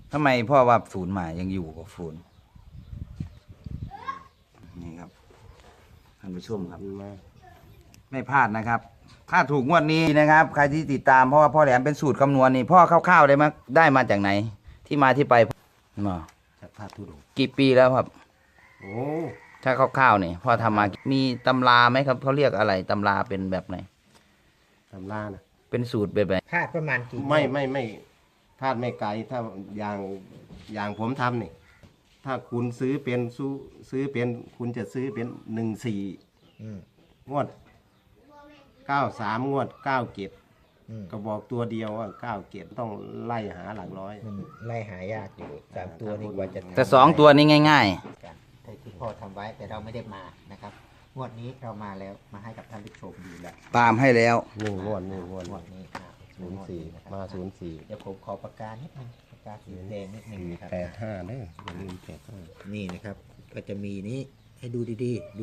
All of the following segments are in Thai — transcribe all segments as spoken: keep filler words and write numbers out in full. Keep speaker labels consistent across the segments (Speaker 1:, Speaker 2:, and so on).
Speaker 1: ทำไมพ่อว่าศูนย์หมายยังอยู่กับศูนย์นี่ครับท่านผู้ชมครับไม่พลาดนะครับถ้าถูกงวดนี้นะครับใครที่ติดตามเพราะว่าพ่อแหลมเป็นสูตรคำนวณนี่พ่อคร่าวๆได้มาได้มาจากไหน ที่มาที่ไปมา
Speaker 2: จากพระธุดงค์
Speaker 1: กี่ปีแล้วครับ
Speaker 2: โอ้
Speaker 1: ถ้าคร่าวๆนี่พ่อทำมามีตำราไหมครับเขาเรียกอะไรตำราเป็นแบบไหน
Speaker 2: ตำรานะ
Speaker 1: เป็นสูตรแบบไหน
Speaker 3: พลาดประมาณกี่
Speaker 2: ไม่ไม่ไม่พลาดไม่ไกลถ้าอย่างอย่างผมทำนี่ถ้าคุณซื้อเป็นซื้อซื้อเป็นคุณจะซื้อเป็นหนึ่งสี่
Speaker 3: อืม
Speaker 2: งวดเก้าสามงวดเก้าเจ็ด
Speaker 3: อืม
Speaker 2: ก็บอกตัวเดียวว่าเก้าเจ็ดต้องไล่หาหลักร้อย
Speaker 3: มันไล่หายากอยู่สามตัวนี่กว่าจะ
Speaker 1: แต่สองตัวนี้ง่าย
Speaker 3: กันแต่ที่พ่อทำไว้แต่เราไม่ได้มานะครับงวดนี้เรามาแล้วมาให้กับท่านผู้ชมดูแล้ว
Speaker 1: ๆ ตามให้แล้ว
Speaker 2: หนึ่งงวดหนึ่งงวด
Speaker 3: งวดนี้อ่า
Speaker 2: ศูนย์สี่
Speaker 3: นะครับ
Speaker 2: มาศูนย์สี่
Speaker 3: เดี๋ยวผมขอปากกานิดนึงปากกาสีแดงนิดนึงนะครับ
Speaker 2: แปดห้าเด้ออย่าลืมแปดห้า
Speaker 3: นี่นะครับ ก็จะมีนี้ให้ดูดีๆดู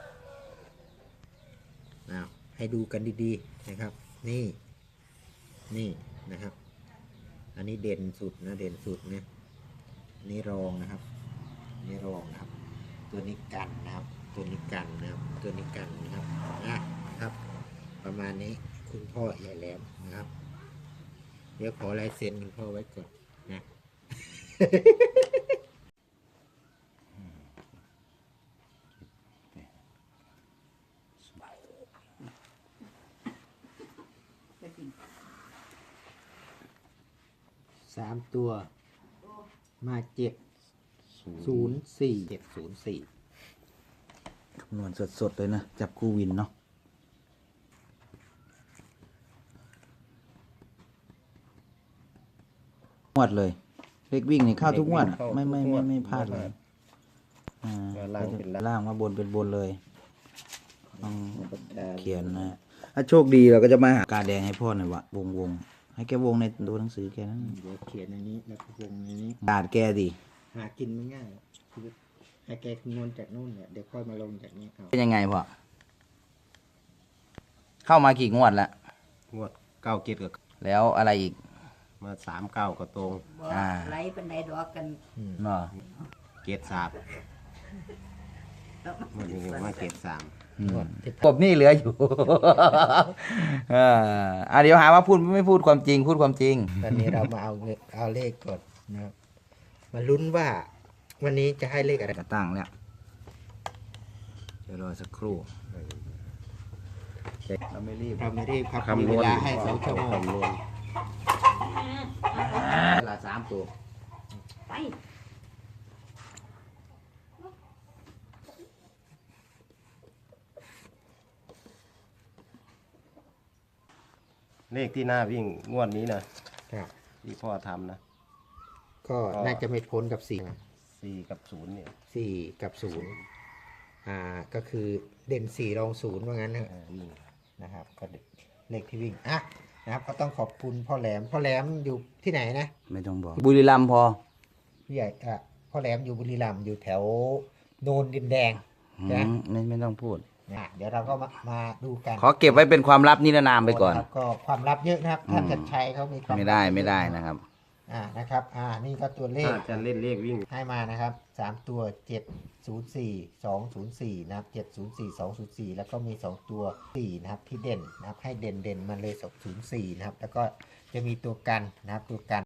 Speaker 3: อ้าวให้ดูกันดีๆนะครับ นี่นี่นะครับ อันนี้เด่นสุดนะเด่นสุดเนี่ยอันนี่รองนะครับอันนี่รองนะครับ ตัวนี้กันนะครับ ตัวนี้กันนะครับ ตัวนี้กันนะครับนะครับ ประมาณนี้คุณพ่อใหญ่แหลมนะครับ เดี๋ยวขอลายเซ็นคุณพ่อไว้ก่อนนะ สามตัวมาเจ็ดศูนย์สี่เจ็ดศูนย์สี่
Speaker 1: คำนวณสดๆเลยนะ จับคู่วินเนาะงวดเลยเลขวิ่งนี่เข้าทุกงวดอะไม่ไม่ไม่ไม่พลาดเลยอ่าล่างมาบนเป็นบนเลยต้องเขียนนะถ้าโชคดีเราก็จะมาหากาแดงให้พ่อหน่อยวะวงวงให้แกวงในตัวหนังสือแกนั้น
Speaker 3: เดี๋ยวเขียนในนี้แล้วก็วงในนี้
Speaker 1: กาดแกดิ
Speaker 3: หากินไม่ง่ายคือให้แกคำนวณจากนู่นเนี่ยเดี๋ยวค่อยมาลงจากนี้เอา
Speaker 1: เป็นยังไงพ่อเข้ามากี่งวดแล้ว
Speaker 2: งวดเก้าเจ็ดกับ
Speaker 1: แล้วอะไรอีก
Speaker 2: มาสามเก้าก็ตรง
Speaker 4: บ่
Speaker 1: อ่า
Speaker 4: ไหลปันไดดอกกัน
Speaker 1: เนาะ
Speaker 2: เกตสามวันนี้มาเกตสาม
Speaker 1: กบนี่เหลืออยู่ เอออ่ะเดี๋ยวหาว่าพูดไม่พูดความจริง พูดความจริง
Speaker 3: ตอนนี้เรามาเอาเงินเอาเลขก่อนนะครับมาลุ้นว่าวันนี้จะให้เลขอะไร
Speaker 1: จะตั้งแล้วเดี๋ยวรอสักครู่เราไม่รีบ
Speaker 3: เราไม่รีบครับมี
Speaker 2: คำน
Speaker 3: เว
Speaker 2: วณ
Speaker 3: ลาให้สองชั่วโมง
Speaker 2: คำนวณ
Speaker 1: เวลาสามตัว
Speaker 4: ไป
Speaker 2: เลขที่หน้าวิ่งงวดนี้นะครับ ที่พ่อทำนะ
Speaker 3: ก็น่าจะไม่พ้นกับสี่
Speaker 2: สี่กับศูนย์เนี่ย
Speaker 3: สี่กับศูนย์อ่าก็คือเด่นสี่รองศูนย์ว่างั้นนะ
Speaker 2: เออนี่
Speaker 3: นะครับก็เลขที่วิ่งอ่ะนะครับก็ต้องขอบคุณพ่อแหลมพ่อแหลมอยู่ที่ไหนนะ
Speaker 1: ไม่ต้องบอก บุรีรัมย์พอ
Speaker 3: พี่ใหญ่อ่ะพ่อแหลมอยู่บุรีรัมย์อยู่แถวโนนดินแดง
Speaker 1: อื
Speaker 3: นะ
Speaker 1: มไม่ไม่ต้องพูด
Speaker 3: นะเดี๋ยวเราก็มามาดูกัน
Speaker 1: ขอเก็บไว้เป็นความลับนิรนามไปก่อน
Speaker 3: ครับก็ความลับเยอะนะครับท่าน
Speaker 1: อืม
Speaker 3: ชัดชัยเขามีความ
Speaker 1: ไม่ได้
Speaker 3: ลับเยอะ
Speaker 1: ไม่ได้นะครับ
Speaker 3: อ่านะครับอ่านี่ก็ตัวเลข
Speaker 2: ถ้าจะเล่นเลขวิ่ง
Speaker 3: ให้มานะครับสามตัวเจ็ดศูนย์สี่สองศูนย์สี่นะครับเจ็ดศูนย์สี่สองศูนย์สี่แล้วก็มีสองตัวสี่นะครับที่เด่นนะครับให้เด่นเด่นๆมันเลยสองศูนย์สี่นะครับแล้วก็จะมีตัวกันนะครับตัวกัน